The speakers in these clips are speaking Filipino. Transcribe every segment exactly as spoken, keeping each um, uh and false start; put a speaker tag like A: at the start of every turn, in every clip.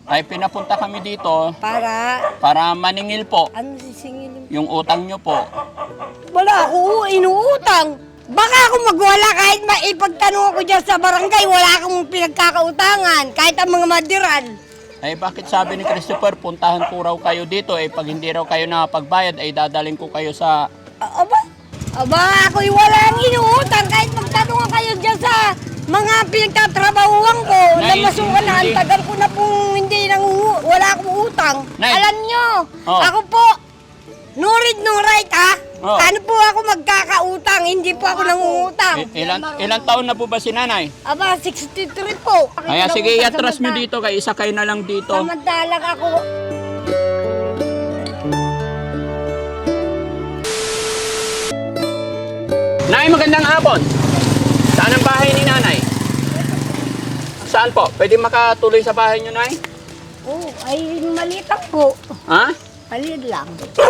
A: ay pinapunta kami dito
B: Para,
A: para maningil po
B: ano sisingilin?
A: yung utang nyo po.
B: Wala ako inuutang. Baka ako magwala kahit maipagtanong ako dyan sa barangay, wala akong pinagkakautangan, kahit ang mga madiran.
A: Ay bakit sabi ni Christopher, puntahan po raw kayo dito, eh pag hindi raw kayo nakapagbayad, ay dadaling ko kayo sa...
B: A- Aba, aba ako'y walang inuutang, kahit magtanong kayo dyan sa mga pinagtatrabahuan ko, na
A: Nay,
B: masukan na, ang
A: hindi.
B: tagal ko na pong hindi nang wala akong utang.
A: Nay.
B: Alam nyo,
A: Oh.
B: ako po, no read, no write ha.
A: Oh.
B: Ano po ako magkakautang, hindi po ako nangungutang.
A: I- ilan, ilang taon na po ba si nanay?
B: Aba, sixty-three po.
A: Kaya sige, iatras nyo dito, kay isa kayo na lang dito.
B: Samantalang ako,
A: Nay, magandang hapon. Saan ang bahay ni nanay? Saan po? Pwede makatuloy sa bahay nyo, nay?
B: oh, ay maliit lang po.
A: Ha?
B: Maliit lang.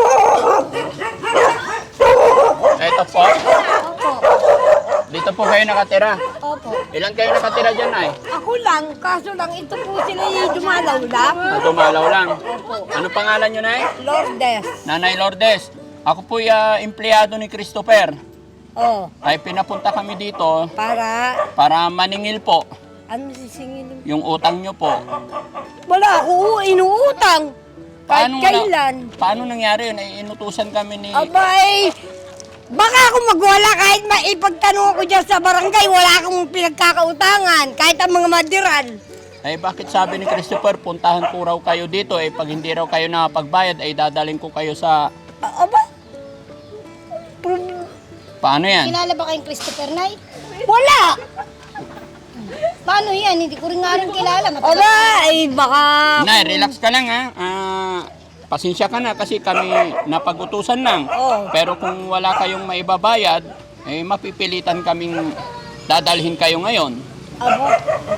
A: Eto po.
B: Opo,
A: Dito po kayo nakatira.
B: opo.
A: Ilan kayo nakatira dyan, nay?
B: Ako lang, kaso lang ito po sila yung dumalaw lang.
A: Ah, Dumalaw lang. Ano pangalan nyo, nay?
B: Lourdes.
A: Nanay Lourdes. Ako po yung uh, empleyado ni Christopher.
B: Oh,
A: Ay pinapunta kami dito
B: para,
A: para maningil po
B: ano sisingilin?
A: yung utang nyo po.
B: Wala ako inuutang. Kahit
A: Paano
B: kailan.
A: Na, paano nangyari yun? Ay inutusan kami ni...
B: Abay, baka ako magwala kahit maipagtanong ako dyan sa barangay, wala akong pinagkakautangan, kahit ang mga madiran.
A: Ay bakit sabi ni Christopher, puntahan po raw kayo dito, eh pag hindi raw kayo nakapagbayad, ay dadaling ko kayo sa...
B: A- Aba, Pro-
A: Paano yan?
C: Kilala ba kayong Christopher Nay?
B: wala.
C: Paano yan? Hindi ko rin nga rin kilala. Matagal.
B: Aba, ay baka...
A: Nay, relax ka lang ha. Ah, pasensya ka na kasi kami napag-utusan lang.
B: Oo.
A: Pero kung wala kayong maibabayad, eh mapipilitan kaming dadalhin kayo ngayon.
B: Aba,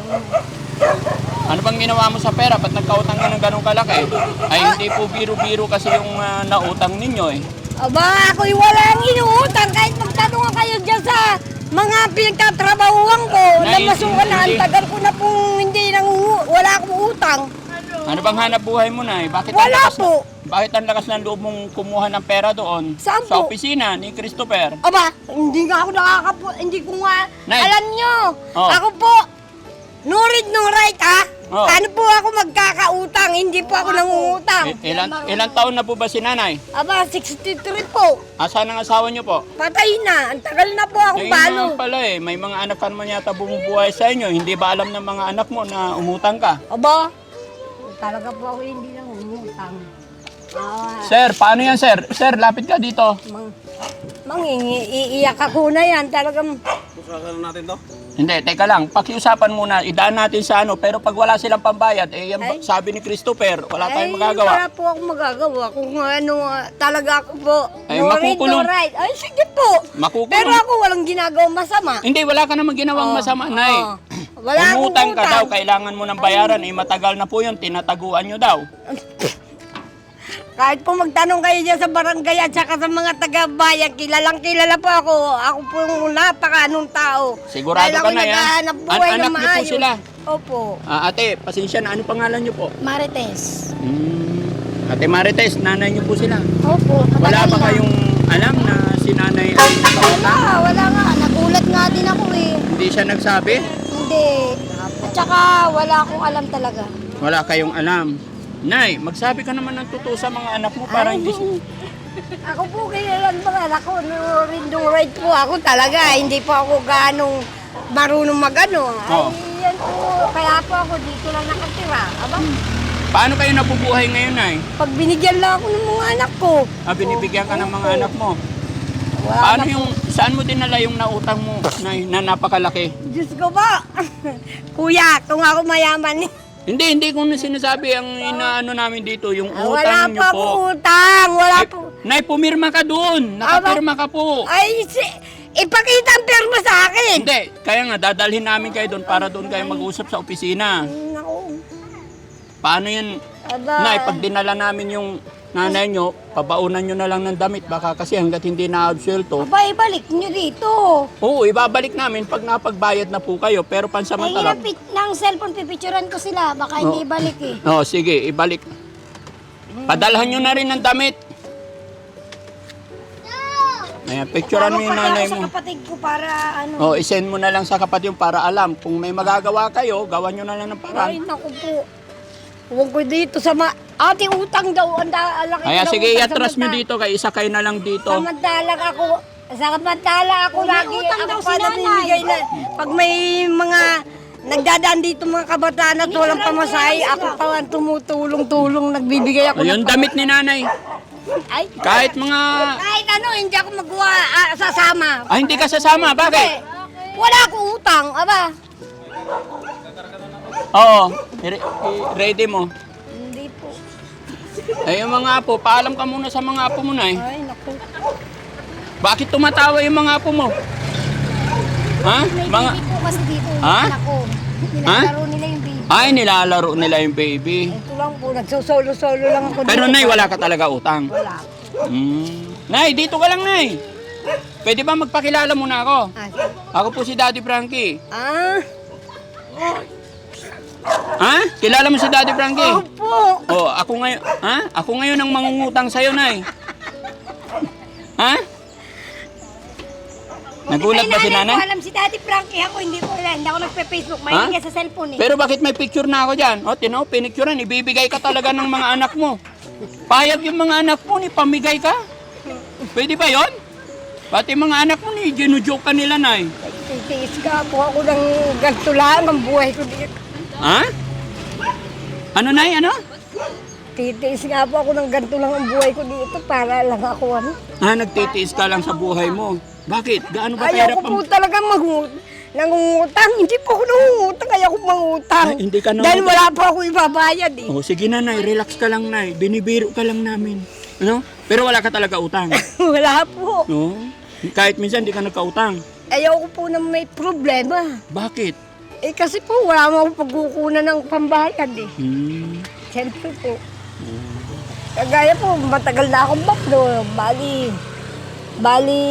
A: Ano bang ginawa mo sa pera? Ba't nagkautang ka ng ganong kalaki? Ay hindi po biro-biro kasi yung ah, nautang ninyo eh.
B: aba, ako'y walang inuutang, kahit magtanong kayo dyan sa mga pinagtatrabahuan ko, na
A: Nay,
B: masukan na, ang
A: hindi.
B: tagal ko na pong hindi nang wala akong utang.
A: Ano bang hanap buhay mo na eh? Bakit
B: Wala
A: ang lakas
B: po.
A: Na, bakit ang lakas ng loob mong kumuha ng pera doon?
B: Saan
A: Sa
B: po?
A: opisina ni Christopher.
B: Aba, hindi nga ako nakakapu... Hindi ko nga...
A: Nay.
B: Alam nyo,
A: Oh.
B: ako po, no read, no write ha.
A: Oh.
B: Ano po ako magkakautang, hindi po ako nangungutang.
A: I- ilan, ilang taon na po ba si nanay?
B: Aba, sixty-three po.
A: Asan ang asawa niyo po?
B: Patay na. Ang tagal na po akong
A: Eh,
B: balo.
A: nga pala eh, may mga anak ka naman yata bumubuhay sa inyo. Hindi ba alam ng mga anak mo na umutang ka?
B: Aba, talaga po ako hindi nangungutang. Ah,
A: Sir, paano yan sir? Sir, lapit ka dito.
B: mang, mangingi, iiyak ako na yan. Talagang,
A: Hindi, teka lang. Pakiusapan muna. Idaan natin sa ano. Pero pag wala silang pambayad, eh, yan,
B: Ay.
A: sabi ni Christopher, wala tayong
B: ay,
A: magagawa.
B: wala po akong magagawa. Kung ano, ah, talaga ako po.
A: Ay,
B: no read,
A: makukulong.
B: no write. Ay, sige po.
A: Makukulong.
B: Pero ako walang ginagawang masama.
A: Hindi, wala ka namang ginawang
B: Oh,
A: masama, Nay.
B: oh. Wala akong
A: Umutang ka
B: utang.
A: daw, kailangan mo ng bayaran. Eh, matagal na po yun, tinataguan nyo daw.
B: Kahit po magtanong kayo dyan sa barangay at saka sa mga taga-bayan, kilalang kilala po ako. Ako po yung napaka-anong tao.
A: Sigurado
B: Dahil
A: ka
B: ako'y
A: na yan?
B: naghahanap
A: An-
B: buhay
A: anak
B: ng
A: niyo po
B: maayos.
A: sila?
B: Opo.
A: Ah, ate, pasensya na. Ano pangalan nyo po?
C: Marites.
A: Hmm. Ate Marites, nanay nyo po sila.
C: Opo.
A: Wala
C: matagal
A: ba
C: na.
A: kayong alam na si nanay ay nakautang?
C: Wala, wala nga. Nagulat nga din ako eh.
A: Hindi siya nagsabi?
C: Hindi. At saka wala akong alam talaga.
A: Wala kayong alam. Nay, magsabi ka naman ng totoo sa mga anak mo para hindi si-
B: Ako po kilalang mga anak ko, no read, no write po ako talaga. Hindi po ako ganong marunong magano.
A: Oo.
B: Ay, yan po. Kaya po ako dito lang nakatira. Aba,
A: Paano kayo nabubuhay ngayon, Nay?
B: pag binigyan lang ako ng mga anak ko.
A: Ah, binibigyan ka ng mga
B: Opo.
A: anak mo.
B: Wala
A: Paano
B: na po.
A: yung, saan mo dinala yung nautang mo, Nay, na napakalaki?
B: Diyos ko ba? Kuya, kung ako mayaman eh.
A: Hindi, hindi ko na sinasabi ang inaano namin dito, yung
B: Ah, wala
A: utang nyo
B: pa
A: po.
B: po utang. Wala
A: Ay,
B: po.
A: Nay, pumirma ka doon. Nakapirma ka po.
B: Ay, si, ipakita ang perma sa akin.
A: Hindi, kaya nga dadalhin namin kayo doon para doon kayo mag-usap sa opisina.
B: Naku.
A: Paano yan?
B: Aba.
A: Nay, pag dinala namin yung nanay nyo, pabaunan nyo na lang ng damit. Baka kasi hanggat hindi na-absuelto.
C: Aba, ibalik nyo dito.
A: Oo, ibabalik namin pag napagbayad na po kayo. Pero
C: Ay,
A: pansamantala...
C: inapit ng cellphone, pipicturan ko sila. Baka
A: Oh.
C: hindi ibalik eh.
A: Oo, sige, ibalik. Padalhan nyo na rin ng damit. Ayan, picturean mo yung
C: Tawag pati
A: nanay
C: ako sa
A: mo.
C: kapatid ko para ano.
A: Oh, isend mo na lang sa kapatid yung para alam. Kung may magagawa kayo, gawan nyo na lang ng
B: Ay,
A: paraan.
B: naku po. Huwag ko dito sa ma... Ate, utang daw. Ang da- laki
A: Kaya
B: daw
A: sige,
B: utang.
A: iatras nyo
B: Samanta-
A: dito. Kaya isa kayo na lang dito.
B: Samantalang ako... Samantala ako
C: May
B: lagi.
C: utang
B: Ako
C: daw
B: pa
C: si nanay.
B: nabibigay na... Pag may mga... Nagdadaan dito mga kabataan at walang pamasahe, ako pa ang tumutulong-tulong, nagbibigay ako
A: Ayun, damit ni nanay.
B: Ay,
A: Kahit mga...
B: kahit ano, hindi ako magawa, ah, sasama.
A: Ah, hindi ka sasama.
B: Kasi,
A: Bakit?
B: wala akong utang, aba.
A: Oo, i- i- ready mo.
B: Hindi po.
A: Ay, yung mga apo, paalam ka muna sa mga apo mo na eh.
B: Ay, naku.
A: Bakit tumatawa yung mga apo mo? Ha?
C: May
A: Mga...
C: baby po kasi dito.
A: Ha?
C: Anak ko. Nilalaro nila yung baby.
A: Ay, nilalaro nila yung baby.
B: Ito lang po, nagsusolo-solo lang ako.
A: Pero
B: dito.
A: nay, wala ka talaga utang.
B: Wala.
A: Hmm. Nay, dito ka lang, nay. Pwede ba magpakilala muna ako?
B: Ah,
A: Ako po si Daddy Frankie.
B: ah,
A: Ha? Kilala mo si Daddy Frankie?
B: opo.
A: Oh, ako ngayon, ha? Ako ngayon ang mangungutang sa'yo, nay. Ha? Nagulat ba si
C: Ay,
A: nanay?
C: ko alam si Daddy Frankie. Ako hindi ko alam. Hindi ako nagpe-Facebook. Mahilig ka sa cellphone eh.
A: Pero bakit may picture na ako dyan? O, tinaw, pinicturean. Ibibigay ka talaga ng mga anak mo. Payag yung mga anak mo, ni pamigay ka. Pwede ba yon? Pati mga anak mo, ni ginujoke ka nila, nay.
B: Titiis ka po ako ng ganito lang ang buhay ko dito.
A: Ha? Ano, nay? Ano?
B: Titiis nga po ako ng ganito lang ang buhay ko dito para lang ako ano.
A: Ah, nagtitiis ka lang sa buhay mo. Bakit? Gaano ba
B: Ayaw
A: pera
B: ko
A: pa?
B: po talaga mag nangungutang. Hindi po ako nangungutang. Ayaw ko mangutang.
A: Ay, hindi ka
B: Dahil
A: nangungutang.
B: wala po ako ibabayad eh.
A: Oh, sige na, nay. Relax ka lang, nay. Binibiro ka lang namin. Ano? Pero wala ka talaga utang.
B: Wala po.
A: No? Kahit minsan hindi ka nagkautang.
B: Ayaw ko po na may problema.
A: Bakit?
B: Eh kasi po wala mo akong pagkukunan ng pambayad eh.
A: Hmm.
B: Siyempre po. Kagaya po, matagal na akong baklo. Bali, bali,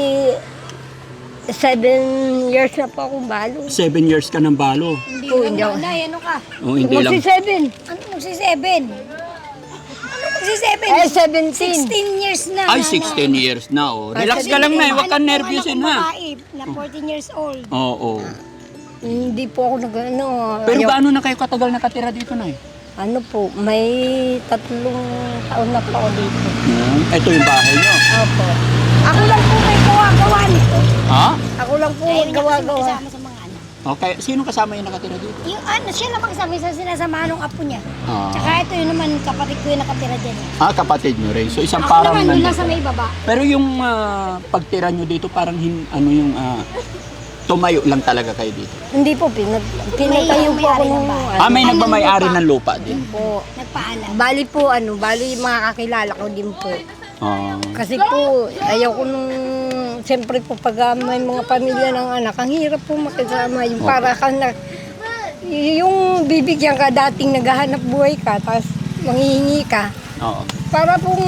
B: seven years na po akong balo.
A: Seven years ka ng balo.
C: Hindi
B: Oo,
C: lang
B: hindi ako.
C: nanay. Ano ka?
A: Oh, hindi lang.
B: Magsi seven.
C: Ano magsi-seven? Ano magsi-seven?
B: Eh, seventeen.
C: sixteen years na.
A: Ay,
C: nanay.
A: sixteen years na, oh. Relax
B: Ay,
A: ka lang, nay.
C: Anak
A: Huwag kang
C: ko,
A: nervyusin,
C: anak kong
A: ha?
C: babae na fourteen years old.
A: Oo.
B: Hindi po ako nag, ano,
A: Pero
B: ayaw-
A: gaano na kayo katagal nakatira dito, nay?
B: ano po, may tatlong taon na po ako dito.
A: Hmm. Ito yung bahay niyo.
B: Opo. Ako lang po may gawa-gawa nito.
A: Ha?
B: Ako lang po
C: Ayun na kasi
B: gawa-gawa.
C: magkasama sa mga anak.
A: Okay. Sino kasama yung nakatira dito?
C: Yung ano, siya lang magkasama sa sinasamahan ng apo niya.
A: Ah.
C: Tsaka ito yun naman, kapatid ko yung nakatira dyan. eh.
A: Ah, kapatid nyo rin. So, isang
C: Ako
A: parang
C: naman, yun
A: nandito.
C: lang sa may baba.
A: Pero yung ah, pagtira nyo dito, parang hin, ano yung ah, tumayo lang talaga kayo dito.
B: Hindi po, pinag, pinatayo po ako
C: may-ari ng
B: nung
C: bahay.
A: Ah, may
C: Anong
A: nagmamayari
C: lupa?
A: ng lupa din.
B: po.
C: Nagpaalam.
B: Bali po, ano, bali mga kakilala ko din po.
A: Ah.
B: Kasi po, ayaw ko nung, siyempre po, pag ah, may mga pamilya ng anak, ang hirap po makisama. Yung para ka na, yung bibigyan ka dating naghahanap buhay ka, tapos manghihingi ka.
A: Oo.
B: Para pong,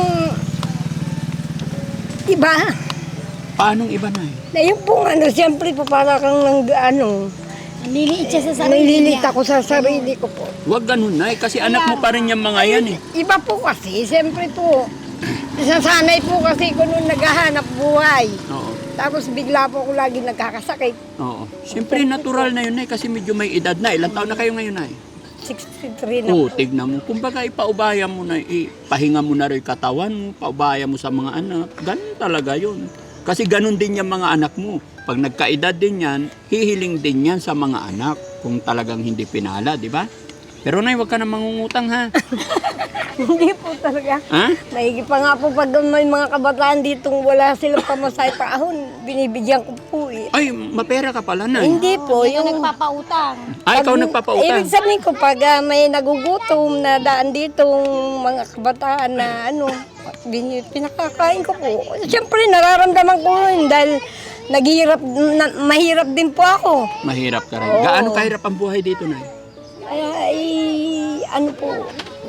B: iba.
A: Paanong iba na eh?
B: Na yung pong ano, siyempre po, para kang nang, ano,
C: Nililiit siya sa sarili
B: nililit
C: niya.
B: ako sa sarili ko po.
A: Huwag ganun na eh, kasi anak mo pa rin yung mga yan eh.
B: Iba po kasi, siyempre po, nasanay po kasi ko nung naghahanap buhay.
A: Oo.
B: Tapos bigla po ako lagi nagkakasakit.
A: Oo. Siyempre natural na yun eh, kasi medyo may edad na. Ilang taon na kayo ngayon na eh?
B: sixty-three na
A: Oo,
B: po.
A: tignan mo. Kumbaga, ipaubaya mo na, ipahinga mo na rin katawan mo, paubaya mo sa mga anak. Ganun talaga yun. Kasi ganun din yung mga anak mo. Pag nagkaedad din yan, hihiling din yan sa mga anak kung talagang hindi pinala, di ba? Pero nay, huwag ka na mangungutang ha.
B: Hindi po talaga.
A: Ha?
B: Naigi pa nga po pag may mga kabataan ditong wala silang pamasay pa ahon, binibigyan ko po eh.
A: Ay, mapera ka pala nay.
B: Hindi po,
C: Yung
B: yung...
C: nagpapautang.
A: Ay, ikaw
B: Pag-
A: nagpapautang.
B: Ibig sabihin ko, pag ah, may nagugutom na daan ditong mga kabataan na ano, bin- pinakakain ko po. Siyempre, nararamdaman ko yun dahil naghihirap, na, mahirap din po ako.
A: Mahirap ka rin.
B: Oo.
A: Gaano kahirap ang buhay dito nay?
B: Ay, ay, ano po,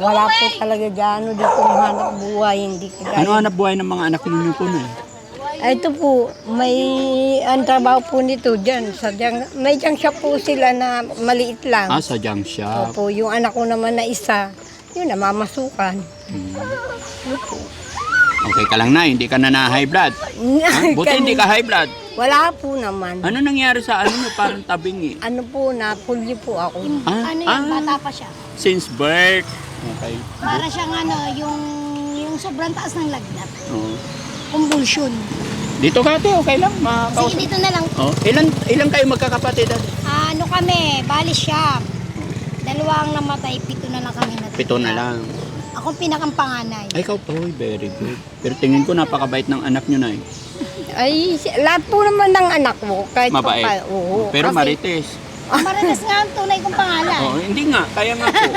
B: wala po talaga gano dito hanap buhay, hindi kagaya.
A: Ano hanap buhay ng mga anak ninyo po na?
B: Ay, ito po, may ang trabaho po nito dyan. Sa dyan may dyan siya po sila na maliit lang.
A: Ah, sa junk shop.
B: Opo, yung anak ko naman na isa, yun, namamasukan.
A: Hmm. Okay ka lang na, hindi ka na na high blood. Ha? Buti hindi ka high blood.
B: Wala po naman.
A: Ano nangyari sa ano nyo? Parang tabing eh.
B: Ano po, napulyo po ako.
A: Ah,
C: Ano
A: ah.
C: yan, bata pa siya.
A: Since birth. Okay.
C: Para siyang ano, yung, yung sobrang taas ng lagnat.
A: Oh.
C: Convulsion.
A: Dito ka ate, okay lang.
C: Sige,
A: Makakausap.
C: dito na lang.
A: Oh, ilan ilan kayo magkakapatid ate?
C: Ano kami, bali siya. Dalawang namatay, pito na lang kami natitira.
A: Pito na lang.
C: Ako pinakang panganay.
A: Ay, ikaw po, very good. Pero tingin ko napakabait ng anak nyo na eh.
B: Ay, si- lahat po naman ng anak mo, kahit
A: Mabait.
B: pa, oo.
A: Pero
B: Kasi-
A: marites.
C: Marites nga ang tunay kong pangalan.
A: Oh, hindi nga, kaya nga po.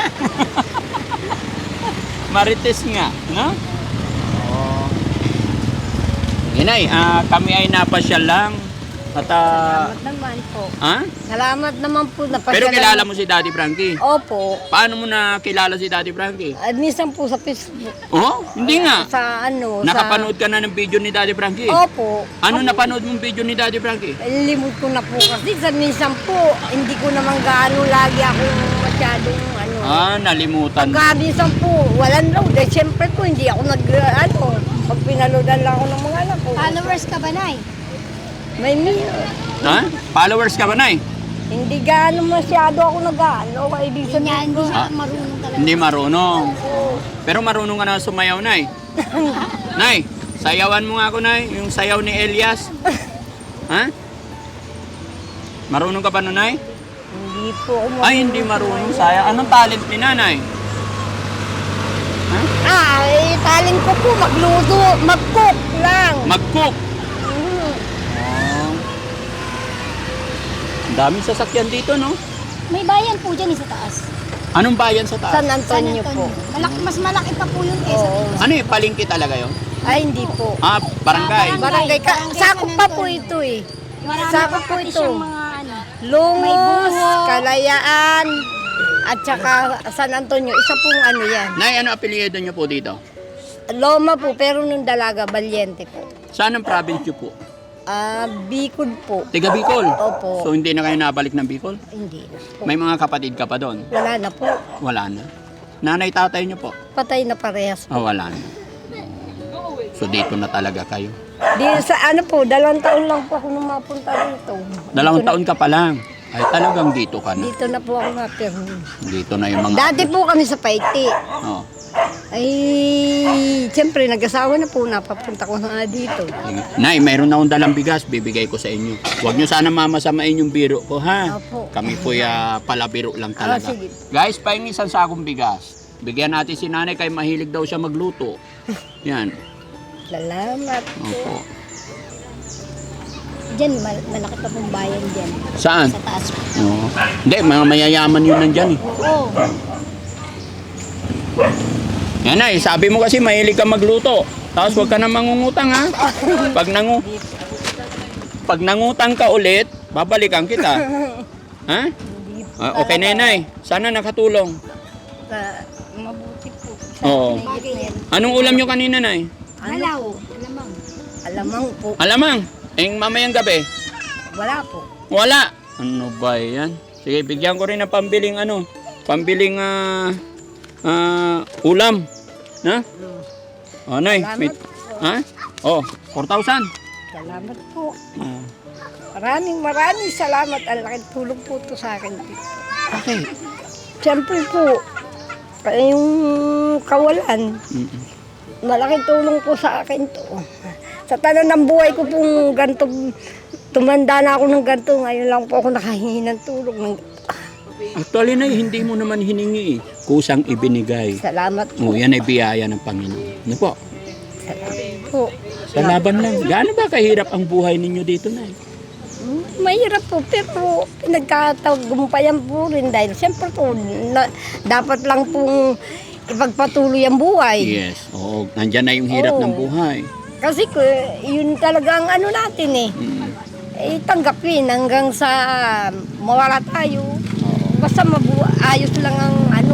A: Marites nga, no? Oh. Inay, ah, kami ay napasyal lang. At ah,
B: Salamat naman po.
A: ha?
B: Salamat naman po na
A: Pero kilala mo si Daddy Frankie.
B: Opo.
A: Paano mo na kilala si Daddy Frankie?
B: At minsan po sa Facebook.
A: Oh, hindi nga.
B: Sa ano,
A: Nakapanood ka na ng video ni Daddy Frankie?
B: sa... Opo.
A: Ano napanood mong video ni Daddy Frankie?
B: Limot ko na po kasi sa minsan po, hindi ko naman gaano lagi ako masyadong ano.
A: Ah, nalimutan.
B: Pagka minsan po, walang load. Eh, siyempre po, hindi ako nag, ano, pag pinaloadan lang ako ng mga anak ko.
C: Followers ka ba, Nay?
B: May mi-
A: Ha? Followers ka ba, Nay?
B: Hindi gaano masyado ako nag-ano. Kaya ibig
C: Hindi niya,
B: sabihin
C: hindi
B: ko,
C: siya marunong talaga.
A: Hindi marunong. Pero marunong ka na sumayaw, Nay. Nay, sayawan mo nga ako, Nay. Yung sayaw ni Elias. Ha? Marunong ka pa nun, Nay?
B: hindi po ako
A: Ay, hindi marunong sayang. Anong talent ni Nanay? Ha?
B: Ah, eh, talent ko po, magluto, mag-cook lang.
A: Mag-cook.
B: Mhm.
A: Oh. Ang daming sasakyan dito, no?
C: May bayan po dyan eh, sa taas.
A: Anong bayan sa taas?
B: San Antonio po.
C: Malaki, mas malaki pa po yun kaysa
B: Oo.
C: dito.
A: Ano eh, palengke talaga yun?
B: Ay, hindi po.
A: Ah, barangay.
C: Ah,
B: Barangay, ka,
C: Barangay
B: sakop
C: San
B: pa po
C: Antonio.
B: ito eh.
C: Marami
B: Sakop
C: pa
B: po
C: pati
B: ito.
C: siyang mga ano. May
B: Lungos,
C: bungo.
B: Kalayaan, at saka San Antonio. Isa pong ano yan.
A: Nay, ano apelyido nyo po dito?
B: Loma po, pero nung dalaga, Valiente po.
A: Saan ang province nyo po?
B: Ah, Bicol po.
A: Tiga Bicol?
B: Opo.
A: So hindi na kayo nabalik ng Bicol?
B: Hindi na po.
A: May mga kapatid ka pa doon?
B: Wala na po.
A: Wala na. Nanay, tatay nyo po?
B: Patay na parehas.
A: Ah, wala na. So dito na talaga kayo?
B: Di, sa ano po, dalawang taon lang po ako nung mapunta dito.
A: Dalawang
B: Dito na-
A: taon ka pa lang. Ay talagang dito ka na.
B: Dito na po ako napirmi.
A: Dito na yung mga...
B: Dati po kami sa Paiti.
A: Oh.
B: Ay, siyempre, nag-asawa na po, napapunta ko na dito.
A: Nay, mayroon na akong dalang bigas, bibigay ko sa inyo. Huwag nyo sana mamasamain yung biro ko, ha?
B: Opo.
A: Kami po ya palabiro lang talaga.
B: Ah, sige.
A: Guys, pahingi isang sakong bigas. Bigyan natin si nanay kay mahilig daw siya magluto. Yan.
B: Salamat.
A: Opo.
C: Diyan, mal- malaki pa pong bayan dyan.
A: Saan?
C: Sa taas po.
A: Oo. Hindi, mga mayayaman yun nandyan eh.
C: Oo.
A: Yan ay, sabi mo kasi mahilig ka magluto. Tapos huwag ka na mangungutang ha. Pag nangu Pag nangutang ka ulit, babalikan kita. Ha? Ah, okay, Nenay. Sana nakatulong.
B: Sa, mabuti po.
A: Oo.
C: Bagay yan.
A: Anong ulam nyo kanina, Nay?
C: Halaw. Alamang.
B: Alamang po.
A: Alamang. Eh, mamayang gabi.
B: Wala po.
A: Wala. Ano ba yan? Sige, bigyan ko rin ng pambiling ano. Pambiling ah ah, ulam. Na? Oh, Nay. May, ha? Oh, four thousand.
B: Salamat po.
A: Oh.
B: Maraming maraming salamat. Ang laking tulong po to sa akin dito.
A: Okay.
B: Siyempre po, yung kawalan,
A: Mm-mm.
B: malaking tulong po sa akin to. Sa tanan ng buhay ko pong ganito, tumanda na ako ng ganito, ngayon lang po ako nakahingi ng tulong. Ng,
A: Actually, Nay, hindi mo naman hiningi eh. Kusang ibinigay.
B: salamat po.
A: Oh, yan ay biyaya ng Panginoon. Ano po?
B: Salamat po.
A: Sa laban lang. Gaano ba kahirap ang buhay ninyo dito, Nay?
B: Hmm, Mahirap po, pero pinagkatagumpayan po rin dahil siyempre po, na, dapat lang pong ipagpatuloy ang buhay.
A: Yes. Oo, nandyan na yung hirap
B: Oo.
A: ng buhay.
B: Kasi ko, yun talaga ang ano natin eh.
A: Mm.
B: Eh, tanggapin hanggang sa mawala tayo.
A: Oo.
B: Basta mabu ayos lang ang ano,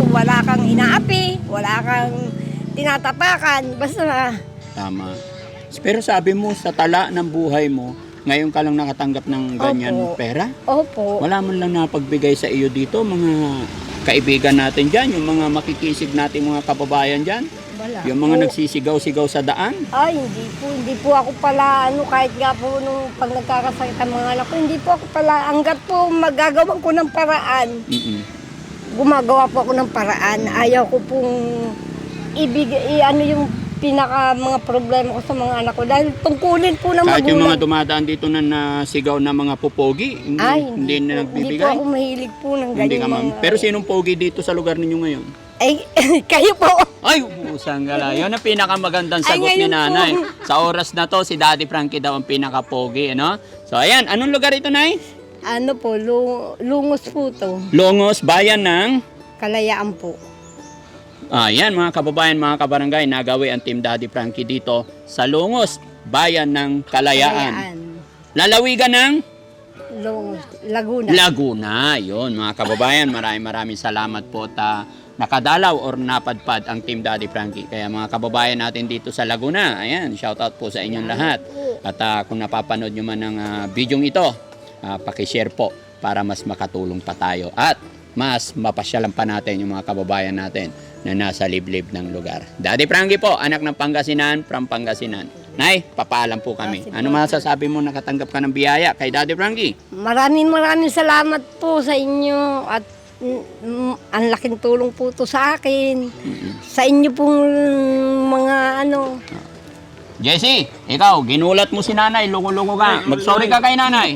B: wala kang inaapi, wala kang tinatapakan, basta
A: Tama. Pero sabi mo, sa tala ng buhay mo, ngayon ka lang nakatanggap ng ganyan
B: Opo.
A: pera?
B: opo.
A: Wala man lang napagbigay sa iyo dito, mga kaibigan natin dyan, yung mga makikisig natin mga kababayan dyan,
B: Wala
A: yung mga
B: po.
A: nagsisigaw-sigaw sa daan.
B: Ay, hindi po. Hindi po ako pala, ano, kahit nga po nung pag nagkakasakit ang mga anak ko, hindi po ako pala, hanggat po magagawa ko ng paraan,
A: Mm-mm.
B: gumagawa po ako ng paraan. Ayaw ko pong ibigay, i- ano yung pinaka mga problema ko sa mga anak ko. Dahil tungkulin po ng
A: Kahit yung
B: magulang.
A: mga dumadaan dito na nasigaw na mga pupogi, hindi,
B: Ay,
A: hindi na
B: po. Hindi po
A: nagbibigay.
B: ako mahilig po ng
A: Hindi
B: ganyan
A: ka ma'am.
B: mga...
A: Pero sinong pogi dito sa lugar ninyo ngayon?
B: Ay, kayo po.
A: Ay, usang gala. Yun ang pinakamagandang
B: Ay,
A: sagot ni
B: ngayon po.
A: nanay. Sa oras na to, si Daddy Frankie daw ang pinaka-pogi, ano? So, ayan. Anong lugar ito, Nay?
B: Ano po, lu- lungos po to.
A: Longos, bayan ng...
B: Kalayaan po.
A: Ayan, mga kababayan, mga kabarangay, nagawi ang Team Daddy Frankie dito sa Longos, bayan ng Kalayaan. Lalawigan ng
B: Lungos, Laguna.
A: Laguna. Yun, mga kababayan, maraming maraming salamat po ta nakadalaw or napadpad ang Team Daddy Frankie. Kaya mga kababayan natin dito sa Laguna, ayan, shoutout po sa inyong lahat. At ah, kung napapanood nyo man ang uh, bidyong ito, uh, pakishare po para mas makatulong pa tayo. At mas mapasyalan pa natin yung mga kababayan natin na nasa liblib ng lugar. Daddy Frankie po, anak ng Pangasinan, from Pangasinan. Nay, papaalam po kami. Ano masasabi mo nakatanggap ka ng biyaya kay Daddy Frankie?
B: Maraming maraming salamat po sa inyo at mm, mm, ang laking tulong po to sa akin. Sa inyo pong mga ano,
A: Jesse, ikaw, ginulat mo si nanay, lungo-lungo ka. Mag-sorry ka kay nanay.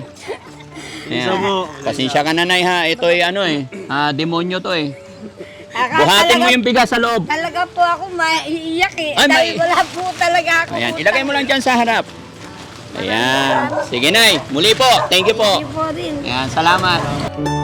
A: Ayan. Pasensya ka nanay ha, ito ay ano eh, ah, demonyo to eh.
B: Aka-
A: Buhatin mo
B: talaga-
A: yung bigas sa loob.
B: Talaga po ako maiiyak eh.
A: Ay,
B: Dahil
A: mai-
B: wala po talaga ako.
A: Ayan, ilagay mo lang dyan sa harap. Ayan. Sige nay, muli po. Thank you po.
B: Hindi po rin.
A: Ayan, salamat.